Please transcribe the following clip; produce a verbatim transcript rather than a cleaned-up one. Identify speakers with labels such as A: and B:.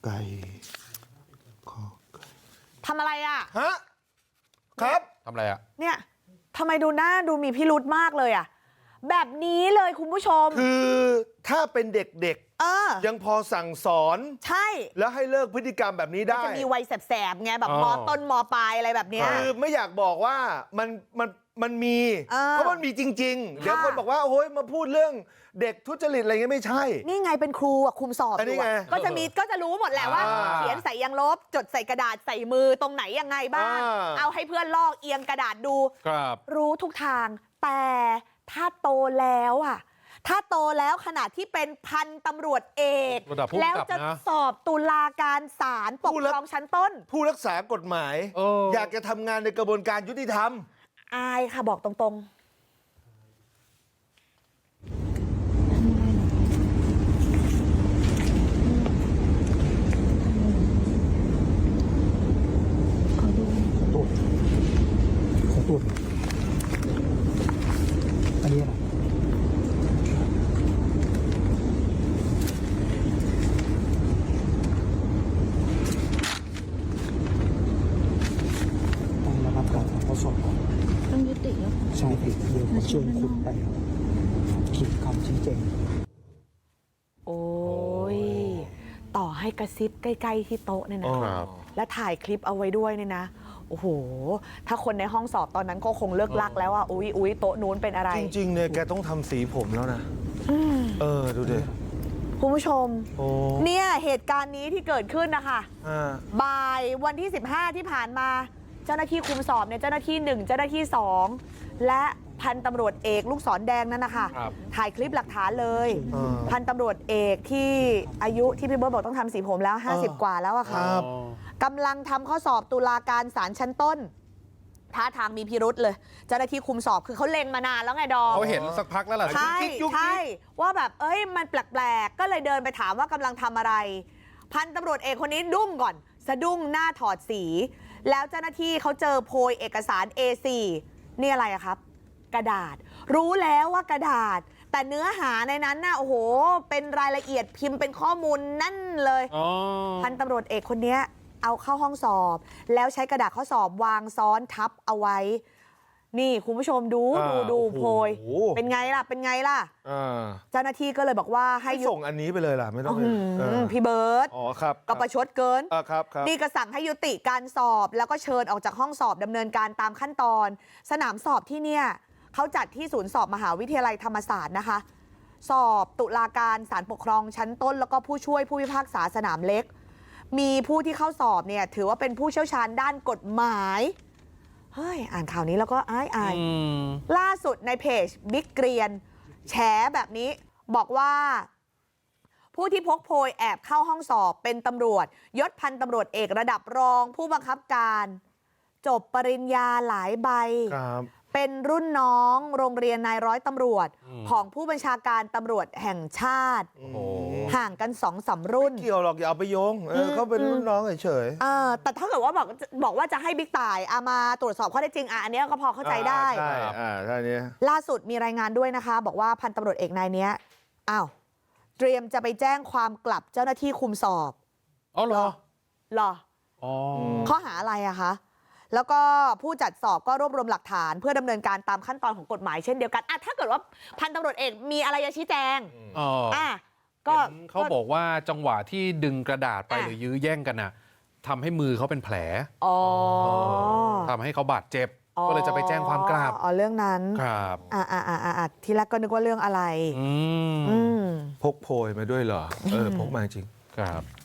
A: ไก่ขอไก่
B: ทำอะไรอ่ะ
A: ฮะครับ
C: ทำอะไรอ่ะ
B: เนี่ยทำไมดูหน้าดูมีพิรุธมากเลยอ่ะแบบนี้เลยคุณผู้ชม
A: คือถ้าเป็นเด็กๆ
B: เออ
A: ยังพอสั่งสอน
B: ใช่
A: แล้วให้เลิกพฤติกรรมแบบนี้ได้
B: จะมีวัยแสบๆไงแบบมอต้นมอปลายอะไรแบบเนี้ย
A: คือไม่อยากบอกว่ามันมันมันมี
B: เออ
A: เพราะมันมีจริงๆ
B: ค่ะ
A: เดี๋ยวคนบอกว่าโอ้ยมาพูดเรื่องเด็กทุจริตอะไรเงี้ยไม่ใช่
B: นี่ไงเป็นครูอ่ะคุมสอบ
A: อันนี้
B: อยู่
A: ไง
B: อะก็จะมีก็จะรู้หมดแหละว่า
A: อ่า
B: เขียนใส่ยางลบจดใส่กระดาษใส่มือตรงไหนยังไงบ้าง
A: อ่า
B: เอาให้เพื่อนลอกเอียงกระดาษดู
C: ครับ
B: รู้ทุกทางแต่ถ้าโตแล้วอ่ะถ้าโตแล้วขนาดที่เป็นพันตำรวจเอก
C: ระดับผู้
B: แล้ว
C: กำกับ
B: จะ
C: นะ
B: สอบตุลาการศาลปกครองชั้นต้น
A: ผู้รักษากฎหมาย
C: เออ
A: อยากจะทำงานในกระบวนการยุติธรรม
B: อายค่ะบอกตรงๆ
D: ตรวจขอตรวจอันนี้อะไรต้องระงับการถ่ายทอดสดก่อน
E: ต้องยุติแล้ว
D: ใช่ครับเดี๋ยวขอเชิญคุณไปเขียนคำชี้แจง
B: โอ้ยต่อให้กระซิบใกล้ๆที่โต๊ะเนี่ยนะครับ และถ่ายคลิปเอาไว้ด้วยเนี่ยนะโอ้โหถ้าคนในห้องสอบตอนนั้นก็คงเลิกลักแล้วอ่ะอุ้ยอุ้ยโต๊ะนู้นเป็นอะไร
A: จริงๆเนี่ยแกต้องทำสีผมแล้วนะ เออ ดูดิ
B: คุณผู้ชม
A: โอ้
B: เนี่ยเหตุการณ์นี้ที่เกิดขึ้นนะคะ
A: อ่า
B: บ่ายวันที่สิบห้าที่ผ่านมาเจ้าหน้าที่คุมสอบเนี่ยเจ้าหน้าที่หนึ่งเจ้าหน้าที่สองและพันตำรวจเอกลูกศรแดงนั่นนะคะ
C: ครับ
B: ถ่ายคลิปหลักฐานเลย
A: อ่า
B: พันตำรวจเอกที่อายุที่พี่เบิร์ตบอกต้องทำสีผมแล้ว ห้าสิบ กว่าแล้วอะค่ะ
A: ครับ
B: กำลังทำข้อสอบตุลาการศาลชั้นต้นท่าทางมีพิรุษเลย เจ้าหน้าที่คุมสอบคือเขาเล็งมานานแล้วไงดอม
C: เขาเห็นสักพักแล้วล่ะ
B: ใช่
A: ยุกยิกยุกยิก
B: ใช่ว่าแบบเอ้ยมันแปลกๆ ก็เลยเดินไปถามว่ากำลังทำอะไร พันตำรวจเอกคนนี้ดุ้งก่อน สะดุ้งหน้าถอดสี แล้วเจ้าหน้าที่เขาเจอโพยเอกสาร เอ โฟร์ นี่อะไรอะครับ กระดาษ รู้แล้วว่ากระดาษ แต่เนื้อหาในนั้นน่ะโอ้โห เป็นรายละเอียดพิมพ์เป็นข้อมูลนั่นเลย
C: อ๋อ
B: พันตำรวจเอกคนนี้เอาเข้าห้องสอบ แล้วใช้กระดาษข้อสอบวางซ้อนทับเอาไว้ นี่คุณผู้ชมดู
A: อ่า
B: ดูดู
A: โอ้โห
B: โพยเป็นไงล่ะเป็นไงล่ะ
A: อ่า
B: เจ้าหน้าที่ก็เลยบอกว่าให้
A: ให้
B: ยุ
A: ส่งอันนี้ไปเลยล่ะ ไม่ต้อง
B: อื้อ
A: เอ
B: หื
A: อ
B: อพี่เบิร์ต
A: อ๋อครับ
B: ก็ประชดเกิน
A: อ่าครับครับ
B: นี่ก็สั่งให้ยุติการสอบแล้วก็เชิญออกจากห้องสอบดำเนินการตามขั้นตอน สนามสอบที่เนี่ยเขาจัดที่ศูนย์สอบมหาวิทยาลัยธรรมศาสตร์นะคะ สอบตุลาการศาลปกครองชั้นต้น แล้วก็ผู้ช่วยผู้พิพากษาสนามเล็ก มีผู้ที่เข้าสอบเนี่ยถือว่าเป็นผู้เชี่ยวชาญด้านกฎหมายเฮ้ยอ่านข่าวนี้แล้วก็อายอาย
C: อืม
B: ล่าสุดในเพจบิ๊กเกรียนแฉแบบนี้บอกว่า ผู้ที่พกโพยแอบเข้าห้องสอบเป็นตำรวจยศพันตำรวจเอกระดับรองผู้บังคับการ จบปริญญาหลายใบ
A: ครับ
B: เป็นรุ่นน้องโรงเรียนนายร้อยตำรวจ
C: อืม
B: ของผู้บัญชาการตำรวจแห่งชาติ
C: โอ้โห
B: ห่างกันสองสามรุ่น
A: เกี่ยวหรอกอย่าเอาไปโยง เออ
B: ม
A: เขาเป็น
B: อืม
A: รุ่นน้องเฉย
B: เออแต่ถ้าเกิดว่าบอกบอกว่าจะให้บิ๊กต่ายเอามาตรวจสอบข้อเท็จจริงอ่ะอันเนี้ยก็พอ
A: ๆ
B: เข้าใจได้
A: อ่าใช่อ่าใช่เนี้ย
B: ล่าสุดมีรายงานด้วยนะคะ บอกว่าพันตำรวจเอกนายเนี้ยอ้าวเตรียมจะไปแจ้งความกลับเจ้าหน้าที่คุมสอบ
C: อ๋อเหรอ
B: เหรอ
C: อ๋อ
B: ข้อหาอะไรอะคะแล้วก็ผู้จัดสอบก็รวบรวมหลักฐาน เพื่อดำเนินการตามขั้นตอนของกฎหมายเช่นเดียวกันอ่ะถ้าเกิดว่าพันตำรวจเอกมีอะไรจะชี้แจง
C: อ๋อ
B: อ่ะก็
C: เห็นเขาบอกว่าจังหวะที่ดึงกระดาษไป
B: อ่ะ
C: หรือยื้อแย่งกันน่ะทำให้มือเขาเป็นแผล
B: อ๋อ
C: ทำให้เขาบาดเจ็บ ก็เลยจะไปแจ้งความกลับ
B: อ๋อเรื่องนั้น
C: ครับ
B: อ่าอ่าอ่าอ่าทีแรกก็นึกว่าเรื่องอะไร
C: อืม
B: อืม
A: พกโพยมาด้วยเหรอ เออ พกมาจริง
C: ครับ